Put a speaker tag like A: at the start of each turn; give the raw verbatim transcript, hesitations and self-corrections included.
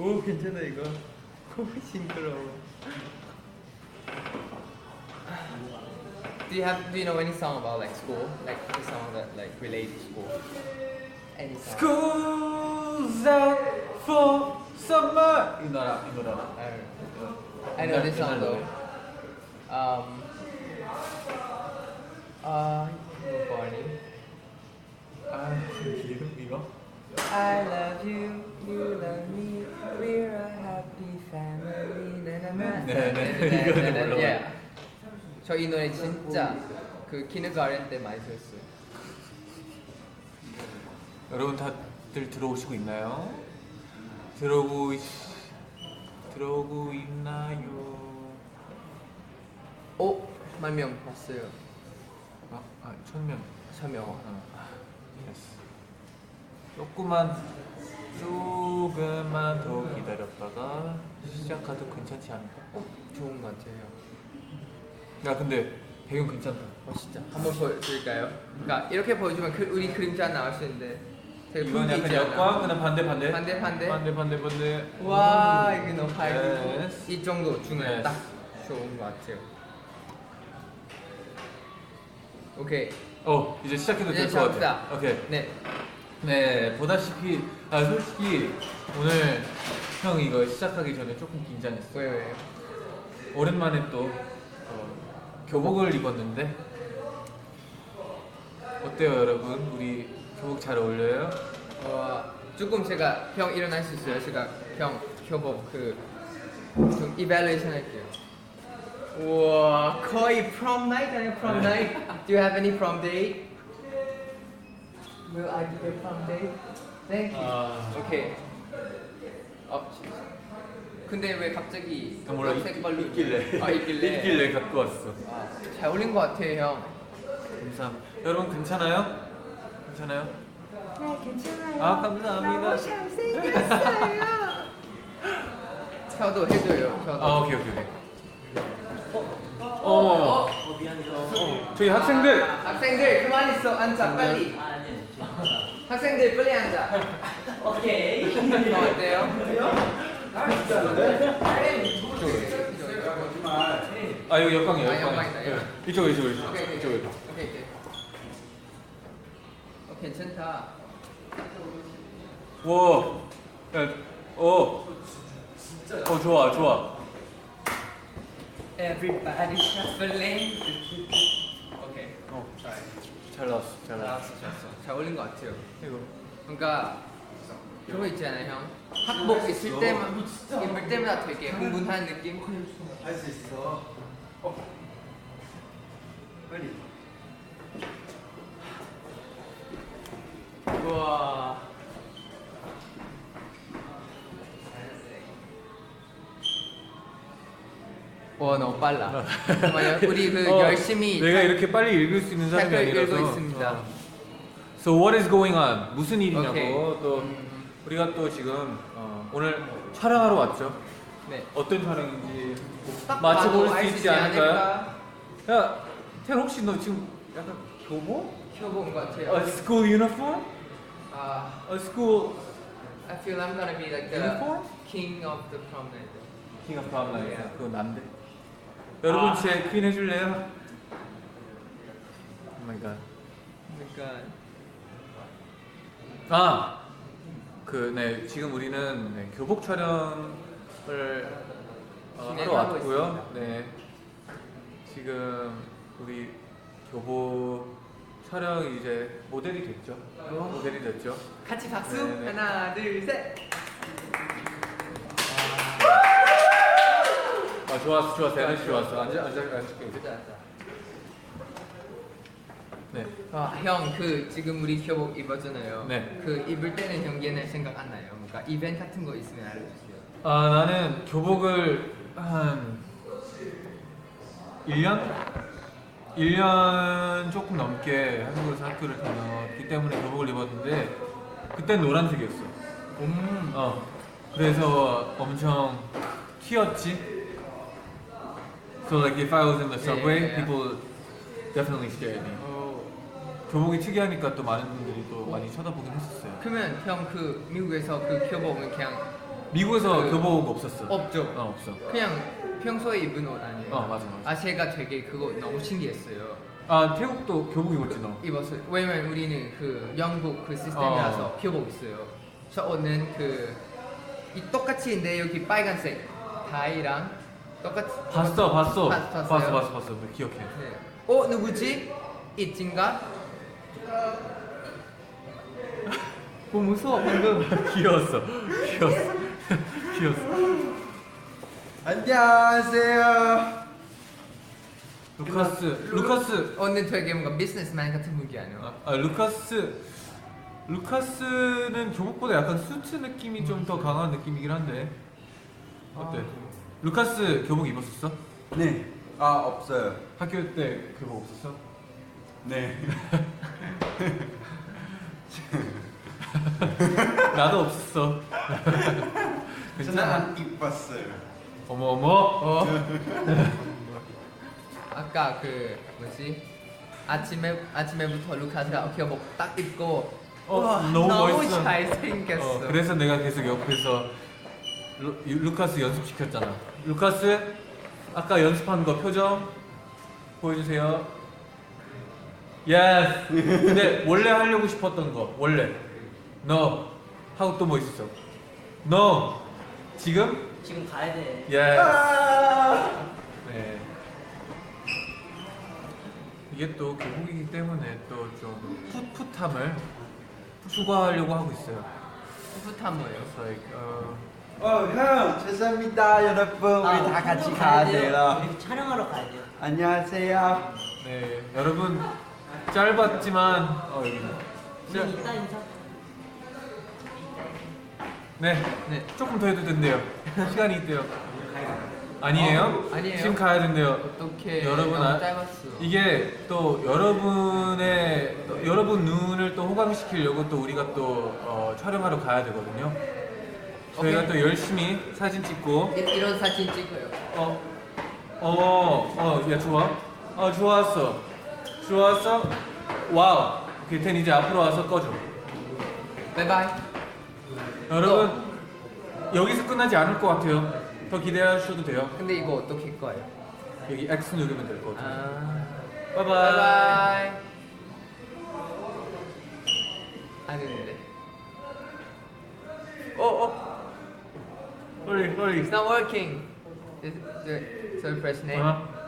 A: 오 괜찮아 이거. 싱그러워.
B: Do you have? Do you know any song about like school? Like a song that like relates to school? Any song?
A: School's out for summer. 이 노래 이 노래.
B: I know this song though. Um. Uh, Barney.
A: 아 이름 이거?
B: I love you, you love me, we're a happy family.
A: 네, 네, 이거는 몰라.
B: Yeah. 저 이 노래 진짜 그 키는가렌 때 많이 들었어요.
A: 여러분 다들 들어오시고 있나요? 들어오고 있... 들어오고 있나요?
B: 오, 만 명 봤어요.
A: 아, 아 천명.
B: 천명.
A: 어. 됐어. 조금만 조금만 더 기다렸다가 시작해도 괜찮지 않을까?
B: 어, 좋은 것 같아요.
A: 야 근데 배경 괜찮다.
B: 어 진짜 한번 보여드릴까요? 그러니까 이렇게 보여주면 그, 우리 그림자 나올 수 있는데 되게
A: 이건
B: 분위기
A: 약간
B: 있잖아.
A: 역광 그냥 반대 반대
B: 반대 반대.
A: 반대 반대 반대.
B: 와 이게 너무 밝고
A: Yes.
B: 이 정도 중에
A: Yes.
B: 딱 좋은 것 같아요. 오케이.
A: 어 이제 시작해도
B: 이제
A: 될 것 같아.
B: 시작합시다.
A: 오케이.
B: 네.
A: 네 보다시피 아 솔직히 오늘 형 이거 시작하기 전에 조금 긴장했어.
B: 왜 왜?
A: 오랜만에 또 어, 교복을 입었는데 어때요 여러분? 우리 교복 잘 어울려요?
B: 어 조금 제가 형 일어날 수 있어요. 제가 형 교복 그좀 이발레이션 할게요. 우와 거의 prom night 아니야 prom night? Do you have any prom date? Will I be your prom date? Thank you.
A: 아.
B: 오케이. 어. 근데 왜 갑자기
A: 아, 몰라
B: 녹색 발로
A: 있길래
B: 아 있길래
A: 있길래 갖고 왔어.
B: 아, 잘 어울린 것 같아요 형.
A: 감사합니다. 여러분 괜찮아요? 괜찮아요?
C: 네, 괜찮아요.
A: 아 감사합니다.
C: 너무 잘생겼어요.
B: 저도 해줘요. 저도.
A: 아 오케이 오케이 오케이. 어, 어, 어, 저희 학생들.
B: 학생들 그만 있어 앉아 빨리. 학생들 빨리 앉아. 오케이. 어, 어때요?
A: 아 여기 역광이에요.
B: 아,
A: 역광.
B: 역광이다, 역광.
A: 이쪽 이쪽 이쪽
B: 오케이 오케이
A: 이쪽 이쪽.
B: 오케이 오케이. 어 괜찮다.
A: 와, 야, 어, 어 좋아 좋아.
B: Everybody shuffling. 오케이.
A: 어, 잘 나왔어 잘 나왔어.
B: 잘했어 잘했어. 잘 어울린 것 같아요.
A: 이거.
B: 그러니까 그거 있잖아요 형. 학복 있을 때만 입을 때마다 되게 흥분하는 느낌.
D: 할 수 있어. 어. 빨리.
B: 우와. 와 너무 빨라. 정말 우리 그
A: 어,
B: 열심히
A: 내가 이렇게 빨리 읽을 수 있는 사람이
B: 책을
A: 아니라서.
B: 읽고 있습니다.
A: 어. So what is going on? 무슨 일이냐고.
B: 오케이.
A: 또
B: 음.
A: 우리가 또 지금 어, 오늘 촬영하러 왔죠.
B: 네.
A: 어떤 촬영인지
B: 딱
A: 맞춰볼
B: 봐도
A: 수
B: 알
A: 있지 않을까요?
B: 않을까?
A: 야, 태연 혹시 너 지금 약간 교복?
B: 켜본 것 같아요.
A: A school uniform?
B: 아,
A: A school
B: I feel I'm gonna be like the
A: uniform?
B: king of the prom night.
A: King of Prom Night.
B: Yeah.
A: 그건 난데. 여러분
B: 아.
A: 제 퀸 해줄래요? Oh my god.
B: 그러니까
A: 아, 그 네 지금 우리는 네, 교복 촬영을 어, 하러
B: 진행하고
A: 왔고요. 네 지금 우리 교복 촬영 이제 모델이 됐죠. 모델이 됐죠.
B: 같이 박수.
A: 네네.
B: 하나, 둘, 셋.
A: 아 좋았어 좋았어 에너지 좋았어. 앉아 앉아 앉을게 이제.
B: 앉아, 앉아.
A: 네.
B: 아, 형, 그 지금 우리 교복 입었잖아요.
A: 네.
B: 그 입을 때는 형 얘네 생각 안 나요. 그러니까 이벤트 같은 거 있으면 알려주세요.
A: 아 나는 교복을 한 일 년? 일 년 조금 넘게 한국에서 학교를 다녔기 때문에 교복을 입었는데 그땐 노란색이었어.
B: 음.
A: 어. 그래서 엄청 튀었지. So like if I was in the subway,
B: Yeah, yeah, yeah.
A: people definitely stared at me.
B: 어.
A: 교복이 특이하니까 또 많은 분들이 또 많이 쳐다보긴 했었어요.
B: 그러면 형 그 미국에서 그 교복은 그냥
A: 미국에서
B: 그-
A: 교복 없었어.
B: 없죠.
A: 어 없어.
B: 그냥 평소에 입은 옷 아니에요.
A: 어 맞아 맞아.
B: 아 제가 되게 그거 너무 신기했어요.
A: 아 태국도 교복 입었지 너.
B: 입었어요. 왜냐면 우리는 그 영국 그 시스템이라서
A: 어.
B: 교복 있어요. 저 옷은 그 이 똑같이인데 여기 빨간색 다이랑 똑같이
A: 봤어 봤어.
B: 봤-
A: 봤어
B: 봤어요?
A: 봤어 봤어. 기억해.
B: 네. 어 누구지? 이진가? 뭐 무서워 방금.
A: 귀여웠어. 귀여웠어. 귀여웠어.
D: 안녕하세요.
A: 루카스 루카스
B: 오늘 되게 뭔가 비즈니스맨 같은 분이 아니야.
A: 아, 아 루카스 루카스는 교복보다 약간 수트 느낌이 좀 더 강한 느낌이긴 한데 어때?
B: 아.
A: 루카스 교복 입었었어?
D: 네. 아 없어요.
A: 학교 때 교복 없었어?
D: 네.
A: 나도 없었어.
D: 저는
A: 괜찮아.
D: 안 입었어요.
A: 어머 어머.
B: 어? 아까 그 뭐지? 아침에 아침에부터 루카스가 교복 딱 입고
A: 어,
B: 우와,
A: 너무 멋있어.
B: 잘생겼어.
A: 어, 그래서 내가 계속 옆에서 루, 루카스 연습시켰잖아. 루카스 아까 연습한 거 표정 보여주세요. 예스. 근데 원래 하려고 싶었던 거 원래 너 하고 또 뭐 있었어? 너 지금
C: 지금 가야 돼.
A: 예스.
D: 아!
A: 네. 이게 또 교복이기 때문에 또 좀 풋풋함을 추구하려고 하고 있어요.
B: 풋풋한 뭐예요?
A: It's like, 어,
D: 어, 형, 죄송합니다, 여러분. 우리
C: 아,
D: 다 같이
C: 가야
D: 가야
C: 돼요.
D: 돼요.
C: 우리 촬영하러 가야 돼요.
D: 안녕하세요.
A: 네, 여러분 짧았지만 어 여기
C: 우리
A: 자,
C: 이따 인사.
A: 네,
B: 네.
A: 조금 더 해도 된대요. 시간이 있대요. 아니에요?
B: 어, 아니에요.
A: 지금 가야 된대요.
B: 어떻게
A: 여러분
B: 너무
A: 아,
B: 짧았어.
A: 이게 또 여러분의 또 여러분 눈을 또 호강시키려고 또 우리가 또 어, 촬영하러 가야 되거든요. 저희가
B: 오케이.
A: 또 열심히 사진 찍고
B: 이, 이런 사진 찍어요.
A: 어, 어, 어, 야 좋아. 어 좋았어. 좋았어. 와우. 오케이, 텐 이제 앞으로 와서 꺼줘.
B: 바이바이.
A: 여러분 여기서 끝나지 않을 것 같아요. 더 기대하셔도 돼요.
B: 근데 이거 어떻게 할 거예요?
A: 여기 X 누르면 될 것 같아요.
B: 아.
A: 바이바이.
B: 바이바이. 안 되는데. 어 어.
A: Hurry, hurry.
B: It's not working. Is, do it. So press name.
A: 어?